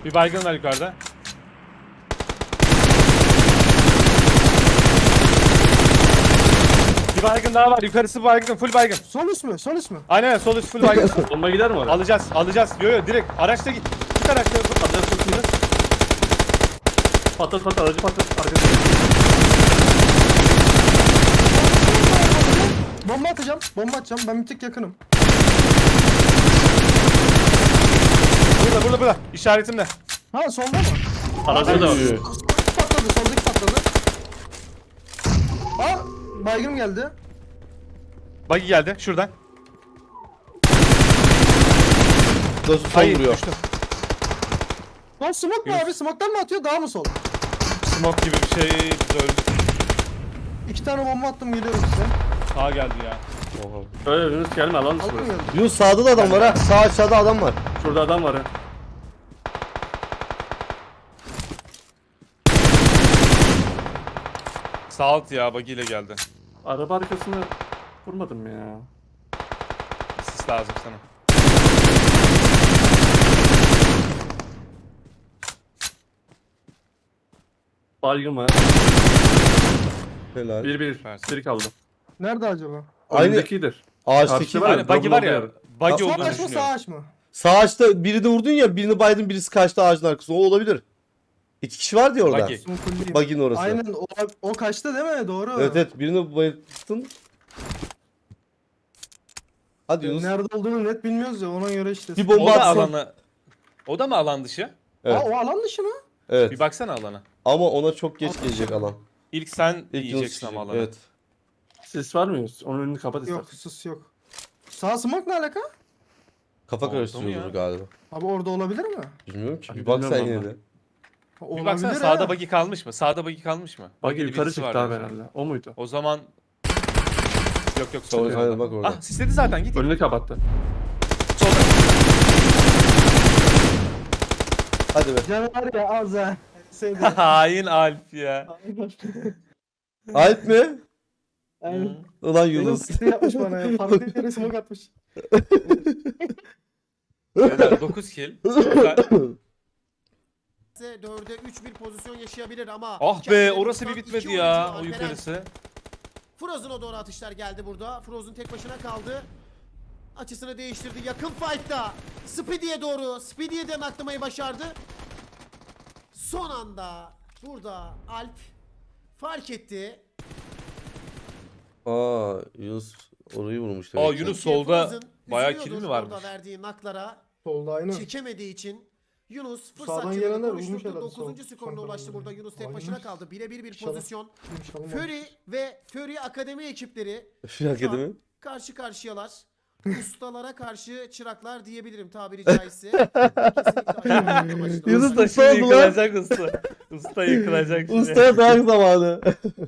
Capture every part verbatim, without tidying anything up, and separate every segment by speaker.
Speaker 1: Bir baygın var yukarıda. Bir baygın daha var. Yukarısı baygın. Full baygın.
Speaker 2: Sol üst mü? Sol üst mü?
Speaker 1: Aynen sol üst full baygın.
Speaker 3: Bomba gider mi oraya?
Speaker 1: Alacağız. Alacağız. Yo yo direkt. Araçla git. Git araçla.
Speaker 3: Alacağız tutuyuz. Patlat patlat aracı patlat. Arkadaşlar.
Speaker 2: Bomba atacağım. Bomba atacağım. Ben bir tık yakınım.
Speaker 1: Burada burada burada. İşaretimle.
Speaker 2: Ha solda mı?
Speaker 3: Aracı da var.
Speaker 2: Soldaki patladı. Soldaki patladı. Aa baygın geldi.
Speaker 1: Buggy geldi. Şuradan.
Speaker 4: Nasıl sol
Speaker 1: Hayır
Speaker 4: vuruyor?
Speaker 1: düştü.
Speaker 2: Lan smoke mu abi? Smoke'tan mı atıyor? Daha mı sol?
Speaker 1: Smoke gibi bir şey. Biz öldük.
Speaker 2: İki tane bomba attım geliyorum size.
Speaker 1: Sağa geldi ya.
Speaker 3: Öyle Yunus gelme alan dışı
Speaker 2: Aldın
Speaker 3: burası.
Speaker 2: mı?
Speaker 4: Yunus sağda da adam var ha. Sağ aşağıda adam var.
Speaker 3: Şurada adam var ha.
Speaker 1: Sağ alt ya. Buggy ile geldi.
Speaker 3: Araba arkasına vurmadım ya.
Speaker 1: Sis lazım sana.
Speaker 3: Baygın var.
Speaker 4: Helal.
Speaker 3: Bir bir.
Speaker 1: Süpersin.
Speaker 3: Bir kaldı.
Speaker 2: Nerede acaba?
Speaker 4: Aynı
Speaker 3: Önündekidir.
Speaker 4: ağaçtaki
Speaker 3: Karşıda var
Speaker 4: var.
Speaker 3: ya.
Speaker 1: Aynen buggy var ya.
Speaker 3: Double
Speaker 1: Buggy
Speaker 2: Sol
Speaker 1: olduğunu
Speaker 2: aç mı sağ
Speaker 1: düşünüyorum.
Speaker 2: aç mı?
Speaker 4: Sağ ağaçta birini vurdun ya, birini baydın, birisi kaçtı ağacın arkasına. O olabilir. İki kişi vardı ya orada.
Speaker 1: Buggy.
Speaker 2: Son kulliyim.
Speaker 4: Buggy'nin orası.
Speaker 2: Aynen o, o kaçtı değil mi? Doğru.
Speaker 4: Evet evet, birini bayılttın. Hadi Yunus.
Speaker 2: Nerede olduğunu net bilmiyoruz ya ona göre işte.
Speaker 4: Bir
Speaker 1: O
Speaker 4: bomba
Speaker 1: da
Speaker 4: atsın.
Speaker 1: alana. O da mı alan dışı?
Speaker 4: Evet.
Speaker 2: Aa, o alan dışı mı?
Speaker 4: Evet.
Speaker 1: Bir baksana alana.
Speaker 4: Ama ona çok geç
Speaker 2: Alan
Speaker 4: gelecek
Speaker 2: dışı.
Speaker 4: alan.
Speaker 1: İlk sen
Speaker 4: İlk Yunus
Speaker 1: yiyeceksin ama
Speaker 4: gidecek.
Speaker 1: alanı.
Speaker 4: Evet.
Speaker 3: Sis var mı Yunus? Onun önünü kapat
Speaker 2: Yok
Speaker 3: istersen.
Speaker 2: sus yok. Sağ smoke ne alaka?
Speaker 4: Kafa
Speaker 1: Oldu mu
Speaker 4: karıştırıyordur
Speaker 1: ya?
Speaker 4: galiba.
Speaker 2: Abi orada olabilir mi?
Speaker 4: Bilmiyorum ki.
Speaker 3: Abi
Speaker 4: Bir bak sen
Speaker 3: bilmiyorum
Speaker 4: yine
Speaker 3: vallahi.
Speaker 4: de.
Speaker 2: Ha,
Speaker 1: Bir
Speaker 2: olabilir
Speaker 1: baksana
Speaker 2: ha.
Speaker 1: sağda buggy kalmış mı? Sağda buggy kalmış mı?
Speaker 3: Buggy
Speaker 1: Buggy'li
Speaker 3: yukarı
Speaker 1: birisi
Speaker 3: çıktı
Speaker 1: var
Speaker 3: abi
Speaker 1: yani.
Speaker 3: herhalde. O muydu?
Speaker 1: O zaman... Yok yok
Speaker 4: Sol,
Speaker 1: solda.
Speaker 4: aynen bak orada.
Speaker 1: Ah sisledi zaten git.
Speaker 3: Önünü kapattı.
Speaker 1: Solda.
Speaker 2: Canı var ya az ha. Sevdi.
Speaker 1: Hain Alp ya.
Speaker 4: Alp mi?
Speaker 2: Aynen.
Speaker 4: Ulan
Speaker 2: Benim
Speaker 4: Yunus.
Speaker 2: sıkıntı yapmış bana ya. Farklı bir yere smoke atmış.
Speaker 1: Beyler dokuz kill. Güzel.
Speaker 5: dörde üç bir pozisyon yaşayabilir ama
Speaker 1: Ah be
Speaker 5: kendini
Speaker 1: orası bir
Speaker 5: tutan
Speaker 1: bitmedi
Speaker 5: iki
Speaker 1: ya
Speaker 5: oyuncu
Speaker 1: o
Speaker 5: Alperen.
Speaker 1: yukarısı.
Speaker 5: Frozen'a doğru atışlar geldi burada. Frozen tek başına kaldı. Açısını değiştirdi. Yakın fight'ta Speedy'ye doğru. Speedy'ye de naklamayı başardı. Son anda burada Alp fark etti.
Speaker 4: Aa Yunus orayı vurmuş
Speaker 1: Aa,
Speaker 4: demek.
Speaker 1: Yunus
Speaker 5: Çünkü
Speaker 1: solda
Speaker 5: Frozen
Speaker 1: bayağı
Speaker 5: üzülüyordur
Speaker 1: kill mi varmış?
Speaker 5: orada verdiği naklara
Speaker 2: Solda aynen.
Speaker 5: çekemediği için Yunus
Speaker 2: Sağdan
Speaker 5: fırsatçılığını
Speaker 2: gelenler vurmuş
Speaker 5: konuşturdu.
Speaker 2: herhalde
Speaker 5: dokuzuncu
Speaker 2: sol-
Speaker 5: skoruna
Speaker 2: soldan
Speaker 5: ulaştı
Speaker 2: gelenler.
Speaker 5: burada. Yunus tek
Speaker 2: Vay
Speaker 5: başına
Speaker 2: be.
Speaker 5: kaldı. Birebir bir
Speaker 2: İnşallah.
Speaker 5: pozisyon.
Speaker 2: İnşallah.
Speaker 5: Fury ve Fury Akademi ekipleri
Speaker 4: Fury
Speaker 5: şu an
Speaker 4: Akademi?
Speaker 5: karşı karşıyalar. Ustalara karşı çıraklar diyebilirim tabiri caizse. Kesinlikle
Speaker 4: Yunus da
Speaker 1: Usta şimdi
Speaker 4: oldu lan?
Speaker 1: yıkılacak usta. Usta yıkılacak şimdi.
Speaker 4: Ustaya dayak zamanı.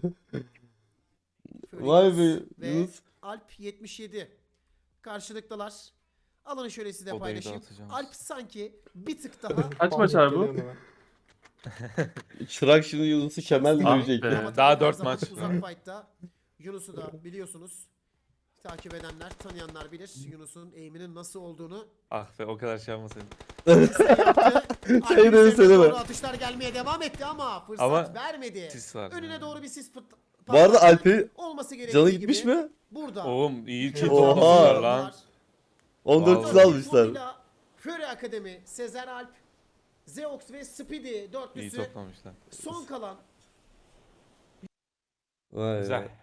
Speaker 5: Fury
Speaker 4: Vay be
Speaker 5: ve
Speaker 4: Yunus.
Speaker 5: Alp yetmiş yedi. Karşılıklılar. Alanı şöyle size
Speaker 1: Odayı
Speaker 5: paylaşayım.
Speaker 1: dağıtacağım.
Speaker 5: Alp sanki bir tık daha
Speaker 3: Kaç maç abi bu?
Speaker 2: Geliyorum hemen.
Speaker 4: Çırak şimdi Yunus'u kemerle
Speaker 3: Ah
Speaker 4: dövecek.
Speaker 3: be.
Speaker 4: ya.
Speaker 5: Ama
Speaker 1: Daha
Speaker 5: tabii her
Speaker 1: dört
Speaker 5: zaman
Speaker 1: maç.
Speaker 5: Uzak fight'ta Yunus'u da biliyorsunuz. Takip edenler, tanıyanlar bilir Yunus'un eğiminin nasıl olduğunu.
Speaker 1: Ah be o kadar şey yapmasaydın.
Speaker 5: Alp'in
Speaker 4: Şey
Speaker 5: üzerine
Speaker 4: söyleme.
Speaker 5: doğru atışlar gelmeye devam etti ama fırsat
Speaker 1: Ama
Speaker 5: vermedi.
Speaker 1: sis var
Speaker 5: Önüne
Speaker 1: yani.
Speaker 5: doğru bir sis pıt-
Speaker 4: Bu arada
Speaker 5: patlattı.
Speaker 4: Alp'in
Speaker 5: olması gerektiği
Speaker 4: canı
Speaker 5: gibi
Speaker 4: gitmiş mi?
Speaker 5: Burada.
Speaker 1: Oğlum iyi kill
Speaker 4: Oha.
Speaker 1: toplamışlar lan.
Speaker 4: on dört
Speaker 1: Vallahi.
Speaker 4: kill almışlar.
Speaker 5: Formula, Fury Akademi, Sezer Alp, Zeox ve Speedy
Speaker 1: İyi
Speaker 5: dörtlüsü
Speaker 1: toplamışlar.
Speaker 5: son kalan
Speaker 4: Vay
Speaker 1: Güzel.
Speaker 4: be.